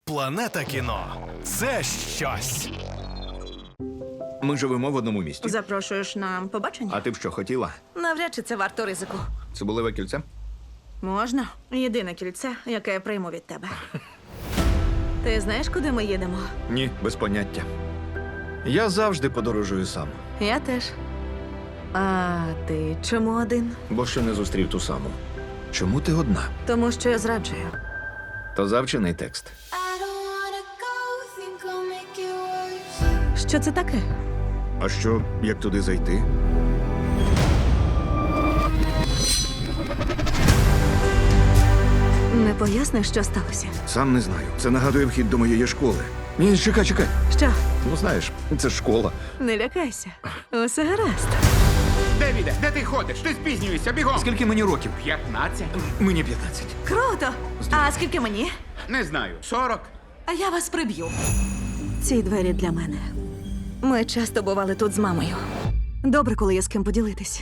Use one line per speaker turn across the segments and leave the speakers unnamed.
Планета кіно – це щось.
Ми живемо в одному місті.
Запрошуєш на побачення?
А ти б що, хотіла?
Навряд чи це варто ризику.
Цибулеве кільце?
Можна. Єдине кільце, яке я прийму від тебе. Ти знаєш, куди ми їдемо?
Ні, без поняття. Я завжди подорожую сам,
Я теж. А ти чому один?
бо ще не зустрів ту саму. Чому ти одна?
Тому що я зраджую.
То завчений текст.
I don't wanna go, think I'll make it worse.
Що це таке?
А що, як туди зайти?
Не поясниш, що сталося?
Сам не знаю. Це нагадує вхід до моєї школи. Ні, чекай.
Що?
Ну знаєш, це ж школа.
Не лякайся. Усе гаразд.
Девіде, де ти ходиш? Ти спізнюєшся, бігом!
Скільки мені років?
15?
Мені 15.
Круто! А скільки мені?
Не знаю. 40?
А я вас приб'ю. Ці двері для мене. Ми часто бували тут з мамою. Добре, коли є з ким поділитись.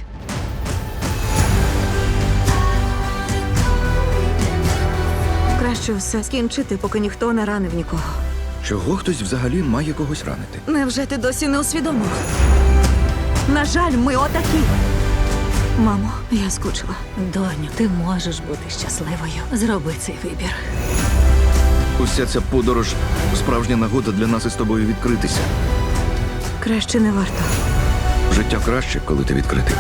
Краще все скінчити, поки ніхто не ранив нікого.
Чого хтось взагалі має когось ранити?
Невже ти досі не усвідомив? На жаль, ми отакі. Мамо, я скучила.
Доню, ти можеш бути щасливою. Зроби цей вибір.
Уся ця подорож – справжня нагода для нас із тобою відкритися.
Краще не варто.
Життя краще, коли ти відкритий.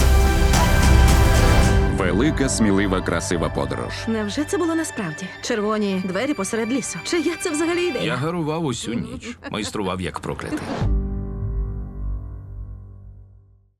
Велика, смілива, красива подорож.
Невже це було насправді? Червоні двері посеред лісу. Чия це взагалі ідея?
Я гарував усю ніч, майстрував як проклятий.